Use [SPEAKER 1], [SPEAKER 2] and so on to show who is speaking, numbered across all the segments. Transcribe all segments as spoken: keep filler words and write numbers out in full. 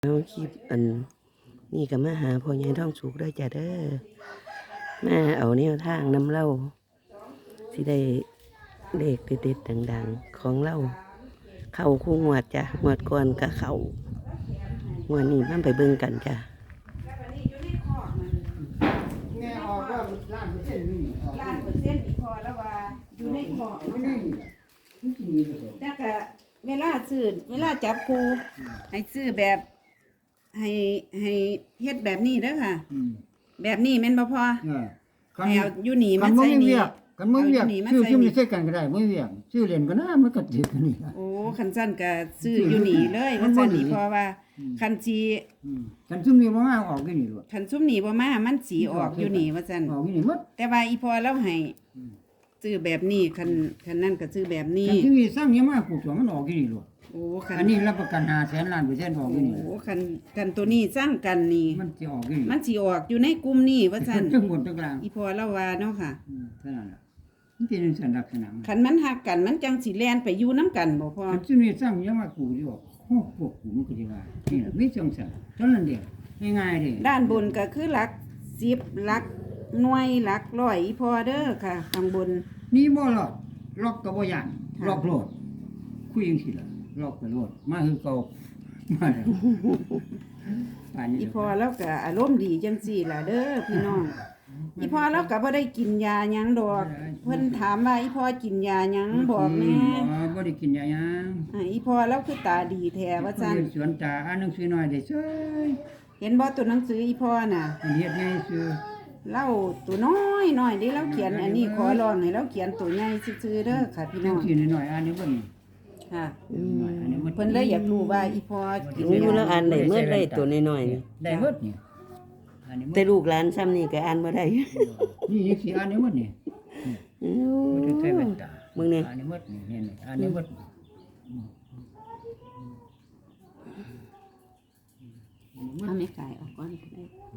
[SPEAKER 1] เอาคลิปอันนี่ก็มาหาพ่อใหญ่ท้องสุกด้วยจ้ะเด้อมาเอาแนวทางนำเล่าสิได้เลขเด็ดๆดังๆของเล่าเข้าคู่งวดจ้ะงวดก่อนก็เข้างวดนี้มันไปเบิ่งกันจ้ะ
[SPEAKER 2] แม่ออกว่าล้านเปอร์เซ็นต์นี่ออก
[SPEAKER 3] ล้านเปอร์เซ็นต์อีกพอแล้วว่าอยู่ในขอบ
[SPEAKER 2] ไม่ได้นี่กินนี่เลย
[SPEAKER 3] แต่ก็เวลาซื้อเวลาจับครูให้ซื้อแบบให้ให้เฮ็ดแบบนี้เด้อค่ะ
[SPEAKER 2] อืม
[SPEAKER 3] แบบนี้แม่นบ่พอ
[SPEAKER 2] เออคัน
[SPEAKER 3] ให้เอาอยู่นี่
[SPEAKER 2] คั
[SPEAKER 3] มาน
[SPEAKER 2] มึ
[SPEAKER 3] ใส่
[SPEAKER 2] ง
[SPEAKER 3] นี่
[SPEAKER 2] เวียกคันมึงเวียก
[SPEAKER 3] อานี่มา
[SPEAKER 2] ชื่อ
[SPEAKER 3] ใส่
[SPEAKER 2] ชื่อ
[SPEAKER 3] นี่
[SPEAKER 2] ไม่ใช่กันก็ได้มึงเวียกชื่อเรียนก็น่ามันก็ถือกันนี่ล่ะ
[SPEAKER 3] โอ้คันซั่นก็ซื้ออยู่นี่เลยว่าซั่นนี่เพราะว่าคันสิ
[SPEAKER 2] อืมคันซุ่มนี่บ่มาออกกันนี่ล่ะ
[SPEAKER 3] คันซุมนี่บ่มามันสิออกอยู่นี่ว่าซั่น
[SPEAKER 2] ออกนี่หมด
[SPEAKER 3] แต่ว่าอีพอเราให้ซื้อแบบนี้คันคันนั้นก็ซื้อแบบนี้
[SPEAKER 2] คันที่มีสร้างยังมาปลูกสวนมันออกกันนี่ล่ะ
[SPEAKER 3] โอ้คัน
[SPEAKER 2] อันนี้รับประกันห้าแสนล้านเปอร์เซ็นต์ออกกันนี่
[SPEAKER 3] โอ้คันคันตัวนี้สร้างกันนี่
[SPEAKER 2] มันสิออกกันนี่
[SPEAKER 3] มันสิออกอยู่ในกลุ่มนี้ว่าซั่น
[SPEAKER 2] ทั้งหมดทั้งกลาง
[SPEAKER 3] อีพอเล่าว่าเนาะค่ะ
[SPEAKER 2] อืมเท่านั้นล่ะมันเป็นสัญลักษณะมัน
[SPEAKER 3] คันมันหักกันมันจังสิแล่นไปอยู่นํกันบ่พอ
[SPEAKER 2] คันที่มีสร้างยังมาปลูกอยู่โอ้พวกกูมันก็สิว่านี่ล่ะมีจังซั่นเท่านั้นเดียวง่ายๆเด้
[SPEAKER 3] ด้านบนก็คือหลักสิบหลักหน่วยหลักร้อยอีพอเด้อค่ะข้างบน
[SPEAKER 2] นี่บ่หรอกล็อกก็บ่ย่าน
[SPEAKER 3] ค่ะ
[SPEAKER 2] ล็อกโลดคุยจังซี่ล่ะล็อกก็โลดมาคือเก่ามาแล้วป่านนี้
[SPEAKER 3] อีพอแล้วก็อารมณ์ดีจังซี่ล่ะเด้อพี่น้องอีพอแล้วก็บ่ได้กินยาหยังดอก เพิ่นถามว่าอีพอกินยาหยังบอกแหน่
[SPEAKER 2] บ่บ่ได้กินยาหยัง
[SPEAKER 3] อ่าอีพอแล้วคือตาดีแท้ว่าซั่น
[SPEAKER 2] เรียสวนตาอ่านหนังสือหน่อยได้เซ้ย
[SPEAKER 3] เห็นบ่ตัวหนังสืออีพอน่ะ
[SPEAKER 2] มันเฮ็ดง่ายซื่อ
[SPEAKER 3] เล่าตัวน้อยน้อยเด้เราเขียนอันนี้ขอร้องให้เราเขียนตัวใหญ่ซื่อๆเด้อค่ะพี่น้
[SPEAKER 2] จั
[SPEAKER 3] อง ง
[SPEAKER 2] ซี่หน่อยๆอ่านนี่บ่นี่
[SPEAKER 3] ค่ะ
[SPEAKER 2] อันนี้มัน
[SPEAKER 3] เพิ่นเลยอยากรู้ว่าอีพอกิน
[SPEAKER 1] มีอยู่แล้ว
[SPEAKER 3] ยา
[SPEAKER 1] อ่านได้เมื่อได้ตัวน้อยๆนี่
[SPEAKER 2] ได้หมดนี่อันนี้หมด
[SPEAKER 1] แต่ลูกหลานซ้ำนี่ก็อ่านบ่ได้
[SPEAKER 2] นี่ยังสิอ่านได้หมดนี่
[SPEAKER 1] อู้
[SPEAKER 2] มันจะใช้แว่นตา
[SPEAKER 1] มึงนี่
[SPEAKER 2] อันนี้หมดนี่เห็นไหมอันนี้หมด
[SPEAKER 3] เอาไม่ไก่ออกก่อนก็ได้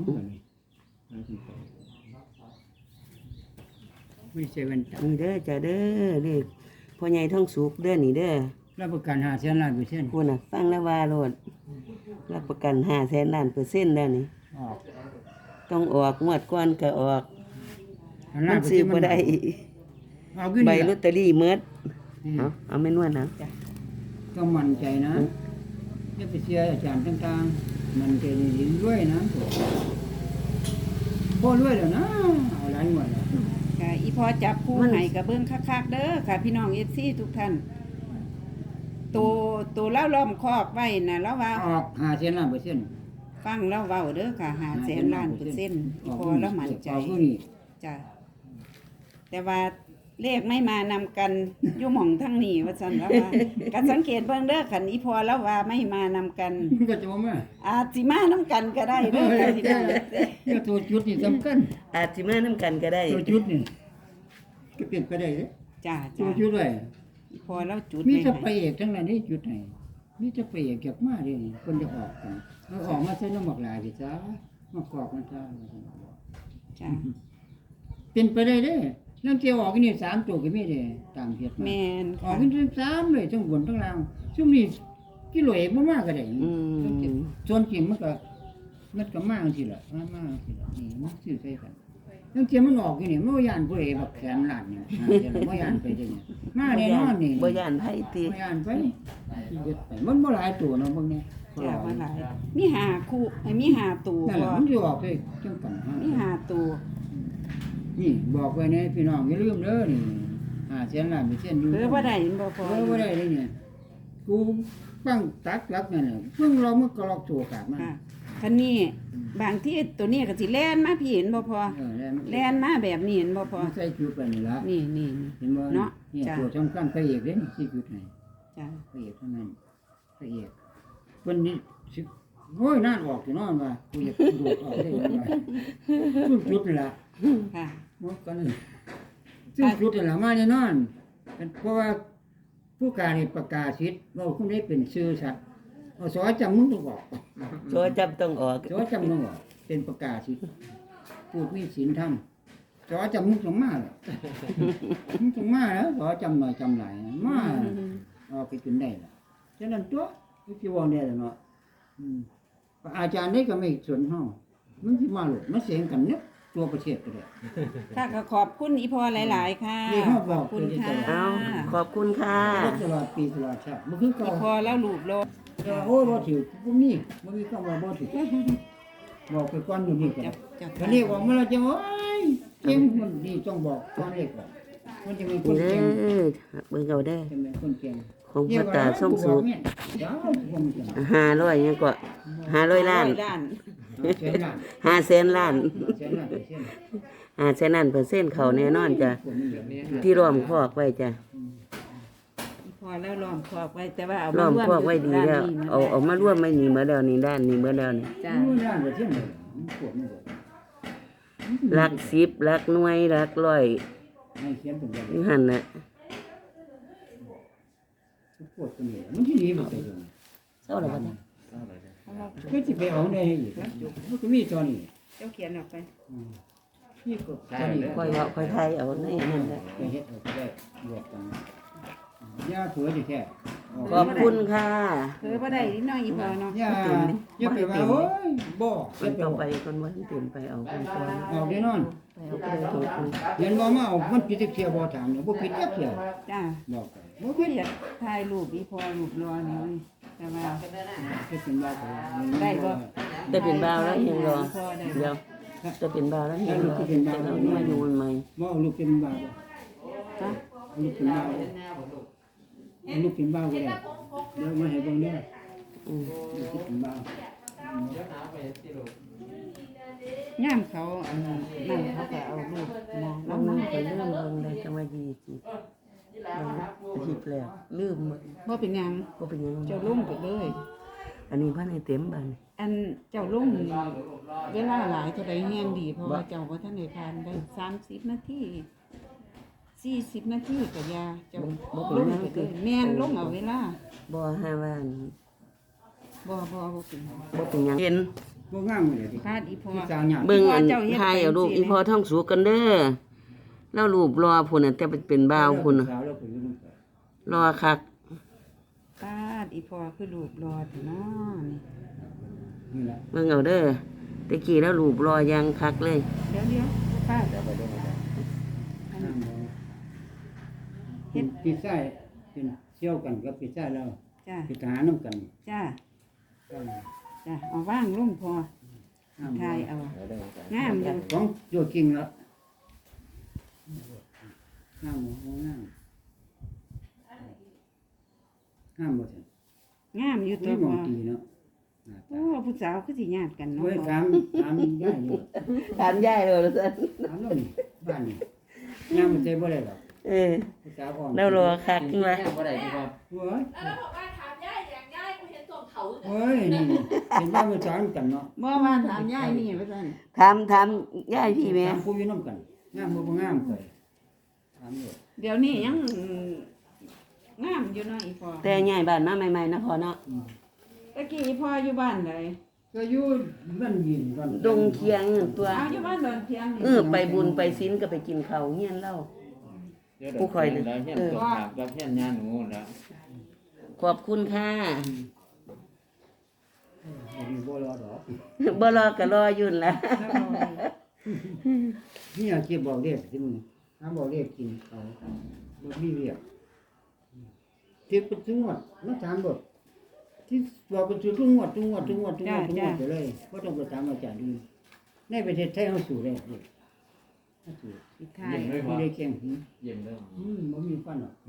[SPEAKER 2] ไม่ใช่แว่นตา
[SPEAKER 1] นี่เด้อจ้ะเด้อเลขพ่อใหญ่ท้องสุกเด้อนี่เด้อ
[SPEAKER 2] รับประกันห้าแสนล้านเปอร์เซ็นต์
[SPEAKER 1] คุณน่ะฟังแล้วว่าโลดรับประกันห้าแสนล้านเปอร์เซ็นต์แล้วนี่
[SPEAKER 2] ออก
[SPEAKER 1] ต้องออกงวดก่อนก็ออก
[SPEAKER 2] อัน
[SPEAKER 1] มั
[SPEAKER 2] ล้าน
[SPEAKER 1] น
[SPEAKER 2] เปอร์
[SPEAKER 1] ซื้
[SPEAKER 2] เซ็
[SPEAKER 1] อน
[SPEAKER 2] ต์
[SPEAKER 1] บ่ได้
[SPEAKER 2] เอาขึ้น
[SPEAKER 1] ใบ
[SPEAKER 2] นี่
[SPEAKER 1] ลอ
[SPEAKER 2] ล่ะ
[SPEAKER 1] ตเตอรี่เมิด
[SPEAKER 2] อืม
[SPEAKER 1] เอาเอาไม่นวดนะ
[SPEAKER 2] ต้องมั่นใจนะอย่าไปเชื่ออาจารย์ต่างๆมันใจดีๆด้วยนะพอด้วยแล้วนะเอาหลายงวดแล้ว
[SPEAKER 3] ค่ะอีพอจับคู่ให้กับเบิ่งคักๆเด้อค่ะพี่น้อง เอฟ ซี ทุกท่านตัวตัวเล่าล้อมคอกไว้น่ะแล้วว่า
[SPEAKER 2] ออกห้าแสนล้านเปอร์เซ็นต์
[SPEAKER 3] ฟังแล้วเว้าเด้อค่ะห้าแสนล้านเปอร์เซ็นต์อีพอแล้วมั่นใจ
[SPEAKER 2] ออกผู้นี้
[SPEAKER 3] จ้ะแต่ว่าเลขไม่มานำกันอยู่หม่องทั้งนี้ว่าซั่นแล้วว่าก็สังเกตเบิ่งเด้อคันอีพอแล้วว่าไม่มานำกัน
[SPEAKER 2] มันก็จะบ่มา
[SPEAKER 3] อาจสิมานำกันก็ได้เด้อค่ะพี่น้อง
[SPEAKER 2] เนี่ยตัวจุดนี่สำคัญ
[SPEAKER 1] อาจสิมานํกันก็ได้
[SPEAKER 2] ตัวจุดนี่ก็เปลี่ยนไปได้เลย
[SPEAKER 3] จ้า
[SPEAKER 2] ตัว
[SPEAKER 3] จ้า
[SPEAKER 2] จุดไว้
[SPEAKER 3] อีพอแล้วจุด
[SPEAKER 2] มี
[SPEAKER 3] ไว้
[SPEAKER 2] จะไป
[SPEAKER 3] ให้
[SPEAKER 2] เอกทั้งนั้นนี่จุดไหนมีจะไปเอกเก็บมาดิคนจะออกกันเอาออกมาใส่น้ำหมอกหลายสิจ้ามากอกมันจ้า
[SPEAKER 3] จ้า
[SPEAKER 2] เป็นไปได้เด้นั่นเจียวออกนี่สามตัวก็มีเด้ตามเหตุมา
[SPEAKER 3] แม่น
[SPEAKER 2] ออ
[SPEAKER 3] ค่ะ
[SPEAKER 2] กเป็นสามเลยทั้งบนทั้งล่างช่วงนี้กิโลเอกบ่มากก็ได้
[SPEAKER 1] อืม
[SPEAKER 2] ส่วนจริงมันก็มันก็มากสิล่ะมากมากสิล่ะนี่มันซื้อใส่กันนั่นเจียวมันออกนี่มันบ่ย่านผู้ใดบักแสนล้านเนี่ยบ่ย่านไปเด้เนี่ยมาแน่นอนนี่
[SPEAKER 1] บ่ย่านไผติ
[SPEAKER 2] บ่ย่านไปเฮ็ดไปมันบ่หลายตัวเนาะเบิ่งเนี่ย
[SPEAKER 3] จ้าว่าหลายมีหาคู่ไอ้มีหาตัว
[SPEAKER 2] นั่นแห
[SPEAKER 3] บ่
[SPEAKER 2] ละมันสิออกได้จังกันฮะ
[SPEAKER 3] มีหาตัว
[SPEAKER 2] นี่บอกไว้นะพี่น้องอย่าลืมเด้อนี่ห้าแสนล้านเปอร์เซ็นต์อยู่
[SPEAKER 3] เออบ่ได้เห็นบ่พอ
[SPEAKER 2] เออบ่ได้เลยเนี่ยกูฟังตักหลักนั่นน่ะเพิ่งเรามันก็ลอกตัวกาดมา
[SPEAKER 3] ค่ะคันนี้บางที่ตัวนี้ก็สิแล่นมาพี่เห็นบ่พอ
[SPEAKER 2] เออแล้วมัน
[SPEAKER 3] แล่นมาแบบนี้เห็นบ่พอ
[SPEAKER 2] มันใส่จุดไปนี่ละ
[SPEAKER 3] นี่นี่นี่
[SPEAKER 2] เห็นบ่
[SPEAKER 3] เนาะ
[SPEAKER 2] นี่
[SPEAKER 3] จ้ะ
[SPEAKER 2] ตัวสำคัญพระเอกเด้นี่สิจุดไหน
[SPEAKER 3] จ้า
[SPEAKER 2] พระเอกเท่านั้นพระเอกเพิ่นนี่สิโอ้ยน่านออกอยู่เนอนว่ากูอยากดูดออกได้ยังไงซึ่งจุดนี่ล่ะ
[SPEAKER 3] ค่ะ
[SPEAKER 2] หมดกันเลยซึ่งจุดนี่ล่ะมาแน่นอนเป็นเพราะว่าผู้การนี่ประกาศสิทธิ์ว่าคุณได้เป็นชื่อสัตว์เอาสอจำมึงต้องออก
[SPEAKER 1] โซจับต้องออก
[SPEAKER 2] สอจำมึงออกเป็นประกาศสิทธิ์พูดมีศีลธรรมสอจำมึงต้องมาแหละมึงต้องมาแล้วสอจำหน่อยจำหลายนะมา ออกไปจนได้ล่ะฉะนั้นตัววิจิวรได้แล้วเนาะอืมอาจารย์นี่ก็ไม่สนเฮามันสิมาหลดมันเสียงกันเนี่ยตัวประเทศก็ได้
[SPEAKER 3] ค่ะก็ขอบคุณอีพอหลาย ๆ ค่ะ
[SPEAKER 2] นี่เขาบ
[SPEAKER 3] ข
[SPEAKER 2] อ
[SPEAKER 3] อก บคุณค่ะ
[SPEAKER 1] เอาขอบคุณค่ะ
[SPEAKER 2] ตลอดปีตลอดชาติบ่คือเก่า
[SPEAKER 3] อีพอแล้วลูกโลด
[SPEAKER 2] แต่ว่าโอ้ยบ่ถือบ่มีบ่มีคำว่าบ่ถือบอกไปก่อนอยู่นี่ก่อน
[SPEAKER 3] จับจับ
[SPEAKER 2] คันนี้ออกมาแล้วจะโอ้ยเก่งมันนี่ต้องบอกก่อนเลขก่อนมันจะเป็นคน
[SPEAKER 1] นี่เด้
[SPEAKER 2] เก่ง
[SPEAKER 1] อเบิ่งเอาเด้อ
[SPEAKER 2] จะเป็นคนเก่ง
[SPEAKER 1] ของพ่อตาส่งสุข
[SPEAKER 2] เนี่ยเดี๋ยวผมจะ
[SPEAKER 1] ห้าร้อยยังก็ห้าร้อยล้าน
[SPEAKER 3] ล้าน
[SPEAKER 2] เสียหน้า
[SPEAKER 1] ห้าแสนล้าน
[SPEAKER 2] เสียหน้าเสียหน้า
[SPEAKER 1] ห้าแสนล้านเปอร์เซ็นต์เขาแน่นอนจ้ะ
[SPEAKER 2] คนนี้แบบนี้
[SPEAKER 1] ที่ล้อมคอกไว้จ้ะ
[SPEAKER 3] อีพอแล้วล้อมคอกไว้แต่ว่าเอา
[SPEAKER 1] ล้
[SPEAKER 3] มา
[SPEAKER 1] อม
[SPEAKER 3] ร่วม
[SPEAKER 1] คอกไว้ดีแล้ว
[SPEAKER 3] ด้นนี้
[SPEAKER 1] เอาเอามาร่วมไม่หนีเมื่อแล้วนี่ด้านนี้เมื่อแล้วนี่
[SPEAKER 3] จ้า
[SPEAKER 2] รู้ย่านบ่เที่ยงเลยมันปวดมันปวด
[SPEAKER 1] หลักสิบหลักหน่วยหลักร้อย
[SPEAKER 2] ให้เขียนเป็นแบบ
[SPEAKER 1] อยู่หั่นน่ะ
[SPEAKER 2] ปวดตรงนี้มันที่นี่บ่ไปเลย
[SPEAKER 1] เศร้าแล้วบัดนี้
[SPEAKER 2] ก็สิไปเอาได้ให้อีกนะมันก็มีตอนนี้
[SPEAKER 3] เจ้าเขียนออกไป
[SPEAKER 2] นี่ก็ตอนนี้
[SPEAKER 1] ค่อยเว้าค่อยไทยเอาในนั่นแหละ
[SPEAKER 2] ไปเฮ็ดเอาก็ได้บวกกันย่าเผือดิแท้
[SPEAKER 1] ขอบคุณค่ะ
[SPEAKER 3] เคือบ่ได้นิดหน่อยอีพอเนาะ
[SPEAKER 2] ย่าอย่าไปว่าโอ้ยบ่
[SPEAKER 1] มั
[SPEAKER 2] อย่าน ไป
[SPEAKER 1] ต้อง
[SPEAKER 2] เอา
[SPEAKER 1] ไปคนว่าเปลี่ยนไปเอาคนก่อน
[SPEAKER 2] เอาแน่นอน
[SPEAKER 1] ไปเอาไปเลยถูกคน
[SPEAKER 2] เห็นบ่มาเอามันผิดเที่ยวบ่ถามเนี่ยบ่ผิดจักเที่ยว
[SPEAKER 3] จ้า
[SPEAKER 2] บอกไปบ่
[SPEAKER 3] บ่
[SPEAKER 2] ผิด
[SPEAKER 3] อยากถ่ายรูปอีพอรูปรอนี่เว้ยแต่ว่า
[SPEAKER 2] คิดเป็นว่าไป
[SPEAKER 3] ได้บ่
[SPEAKER 1] จะเป็นบ่าวแล้วยังรอ
[SPEAKER 3] พอได้
[SPEAKER 1] เดี๋ยวจะเป็นบ่าวแล้วยังรอจะเอามาอยู่ใหม่
[SPEAKER 2] บ่เอาลูกเป็นบ่าวบ่
[SPEAKER 3] จ้า
[SPEAKER 2] เอาลูกเป็นบ่าวเอาลูกเป็นบ่าวก็ได้เดี๋ยวมาให้เบิ่งเด้อ
[SPEAKER 1] อืม
[SPEAKER 2] ลูกเป็นบ่าว
[SPEAKER 3] ย่ามเขาอันนั้นเขาก็เอารูปมอง
[SPEAKER 1] ล
[SPEAKER 3] ล
[SPEAKER 1] อง
[SPEAKER 3] ง
[SPEAKER 1] นึ
[SPEAKER 3] มาง
[SPEAKER 1] ไปเรื่องเบิ่งได้จังว่ายี่สิบหยิบแล้วลืมหมด
[SPEAKER 3] บ่เป็นหยัง
[SPEAKER 1] บ่เป็นหยัง
[SPEAKER 3] เจ้าลุ่มไปเลย
[SPEAKER 1] อันนี้พันให้เต็มบัดนี้
[SPEAKER 3] อันเจ้าลุ่มเวลาหลายเท่าใดแห้งดี เพราะว่าเจ้าบ่ทันได้ทานได้สามสิบนาทีสี่สิบนาทีก็ยาเจ้าลุ่มไปเลยแม่นลงเอาเวลา
[SPEAKER 1] บ่ห้าว่าอัน
[SPEAKER 3] บ่บ่บ่เป็นหยัง
[SPEAKER 1] บ่เป็นหยังเห็น
[SPEAKER 2] บ่งามเลยดิ
[SPEAKER 3] คาดอีพอ
[SPEAKER 2] ที่สาวหยาด
[SPEAKER 1] เบิ่งอัน
[SPEAKER 3] เจ้าเฮ็ด
[SPEAKER 1] ทายเอารูป
[SPEAKER 3] ไปสิ
[SPEAKER 1] อีพอท่องสูกันเด้อแล้วรูปรอพุ่นน่ะแต่เป็นบ่าวพุ่นน่ะ
[SPEAKER 2] สาวแล้วเป็นลูก
[SPEAKER 1] รอคัก
[SPEAKER 3] คาดอีพอคือรูปรอดเนาะนี่
[SPEAKER 2] นี่แหละ
[SPEAKER 1] เบิ่งเอาเด้อตะกี้แล้วรูปรอยังคักเลย
[SPEAKER 3] เดี๋ยวเดี๋ยวคาด
[SPEAKER 2] น้ำบ่เฮ็ดปีไส้เป็นเชี่ยวกันกับปีไส้แล้ว
[SPEAKER 3] จ้า
[SPEAKER 2] ปีทหารนำกัน
[SPEAKER 3] จ้าจ้าเอาว่างลงพอทายเอางามอยู่
[SPEAKER 2] ของโยจริงแล้วงามบ่งามงามบ่ซั่น
[SPEAKER 3] งามอยู่ตั
[SPEAKER 2] มี
[SPEAKER 3] ว
[SPEAKER 2] หม
[SPEAKER 3] พ
[SPEAKER 2] อง
[SPEAKER 3] อ
[SPEAKER 2] ตีเนาะ
[SPEAKER 3] โอ้ผู้สาวคือสิญาติกันเนาะ
[SPEAKER 2] เว้ย
[SPEAKER 3] พ่อ
[SPEAKER 2] ถามถามได้อยู่
[SPEAKER 1] ถามยายเลยว่าซั่น
[SPEAKER 2] ถามแล้วนี่บ้านนี่ยามมันใจบ่ได้หรอก
[SPEAKER 1] เออ
[SPEAKER 2] ผู้สาวอ่อน
[SPEAKER 1] แล้วรอคักว่า
[SPEAKER 2] บ่ได้ที่ว่าเว้ย
[SPEAKER 4] แล้วบอกว่าถามย่ายอย่างย่ายกูเห็นส่งเขาอยู่
[SPEAKER 2] เว้ยนี่เห็นว่ามันสอนกันเนาะ
[SPEAKER 3] บ่ว่าถามยายนี่ว่าซั่น
[SPEAKER 1] ถามถามยายพี่แม่
[SPEAKER 2] ถามผู้อยู่นำกันงามบ่บ่งามเคยถามอยู่
[SPEAKER 3] เดี๋ยวนี้ยังงามอยู่เนาะอีพอ
[SPEAKER 1] แต่ยายบ้านมาใหม่ๆนะพ่อเนาะ
[SPEAKER 3] ตะกี้อีพออยู่บ้านใด
[SPEAKER 2] ก็อยู่บ้านยินก่อน
[SPEAKER 1] ดงเคียงตัว
[SPEAKER 3] เอาอยู่บ้านดอนเพียงนี่
[SPEAKER 1] เออไปบุญไปศีลก็ไปกินข้าวเฮียนเล่า ผู้คอยเลย
[SPEAKER 5] แล้วเพี้ยนตกหาบแล้วเพี้ยนยาหนูแล้ว
[SPEAKER 1] ขอบคุณค่ะ
[SPEAKER 2] อันนี้บ่รอดอก
[SPEAKER 1] บ่รอก็รออยุ่นนละ
[SPEAKER 2] นี่อยากเก็บบอกเด็กที่มึงหาบอกเด็กกินเขาบ่มีเรียกเก็บไปถึงหมดมาถามบทที่บอกไปถึงทุกงวดทุกงวดทุกงวดทุกงวดทุกงวดไปเลยบ่ต้องไปถามอาจารย์อื่นในประเทศไทยเฮาสู่ได้เด็กเฮาสู่
[SPEAKER 3] สิทาย
[SPEAKER 2] ไม่ได้เก่งหืม
[SPEAKER 5] เย็นเริ่ม
[SPEAKER 2] อืมบ่มีฟันหรอก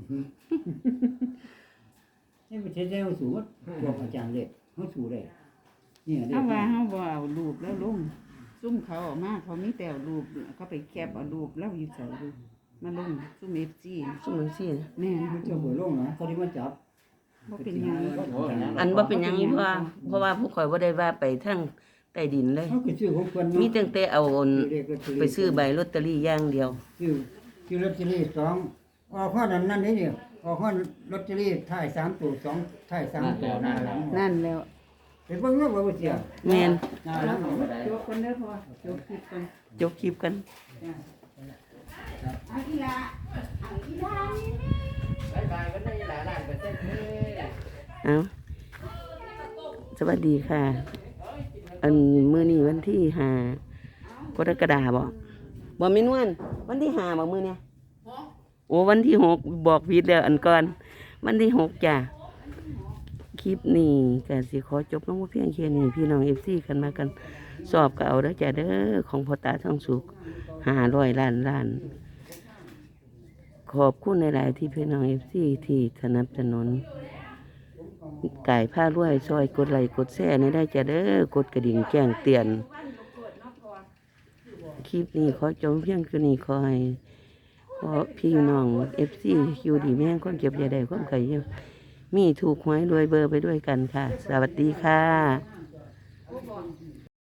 [SPEAKER 2] ในประเทศไทยเฮาสู่ว่าบอกอาจารย์เลยเฮาสู่ได้เนี่ยได้
[SPEAKER 3] เอาว่าเฮาบ่เอารูปแล้วลงซุ่มเขาออกมาเขามีแต่เอารูปเขาไปแคปเอารูปแล้วอยู่ใส่รูปมาลงซุ่ม เอฟ ซี
[SPEAKER 1] สมมุติสิ
[SPEAKER 3] แม่น
[SPEAKER 2] เขาจะบ่ลงนะเขาสิมาจับ
[SPEAKER 3] บ่เป็นหยัง
[SPEAKER 1] อันบ่เป็นหยังอีพ่อเพราะว่าผู้ข่อยบ่ได้ว่าไปทางใต้ดินเลย
[SPEAKER 2] เขาก็ซื้อของเพิ่น
[SPEAKER 1] มี
[SPEAKER 2] เนาะ
[SPEAKER 1] ตั้งแต่เอาอัน
[SPEAKER 2] เลขลอตเตอรี่
[SPEAKER 1] ไปซื้อใบลอตเตอรี่อย่างเดียว
[SPEAKER 2] ซื้อซื้อลอตเตอรี่สองออกข้อนั้นนั่นนี่เนี่ยออกข้อลอตเตอรี่ท้ายสามตัวสองท้ายสามตัวหน้าหลัง
[SPEAKER 3] นั่นแล้ว
[SPEAKER 2] ไปเบิ่งว่าบ่เสีย
[SPEAKER 1] แม่น
[SPEAKER 2] หน้าหลัง
[SPEAKER 3] จบคนเด้อพอจบคลิปกัน
[SPEAKER 1] จบคลิปกัน
[SPEAKER 3] จ้ะเอาอีหลาเอาอีหลานี่
[SPEAKER 5] บายบายวันนี้หลายล้านเปอร์เซ็นต์เลย
[SPEAKER 1] เอาสวัสดีค่ะ
[SPEAKER 5] เฮ้ย
[SPEAKER 1] อันมื้อนี้วันที่ห้ากรกฎาคมบ่บ่แม่นวันวันที่ห้าบ่มื้อเนี่ยโอ้วันที่หกบอกผิดแล้วอันก่อนวันที่หกจ้ะคลิปนี้ก็สิขอจบลงเพียงแค่นี้พี่น้อง เอฟ ซี กันมากันสอบก็เอาเด้อจ้ะเด้อของพ่อตาทองสุขห้าร้อยล้านล้านขอบคุณหลายๆที่พี่น้อง เอฟ ซี ที่สนับสนุนไก่ผ้ารวยซอยกดไลค์กดแชร์ในได้จ้ะเด้อกดกระดิ่งแจ้งเตือนคลิปนี้ขอจบเพียงแค่นี้ขอให้ขอพี่น้อง เอฟ ซี อยู่ดีแม่งความเจ็บอย่าได้ความไข่เยอะมีถูกหวยรวยเบอร์ไปด้วยกันค่ะ สวัสดีค่ะ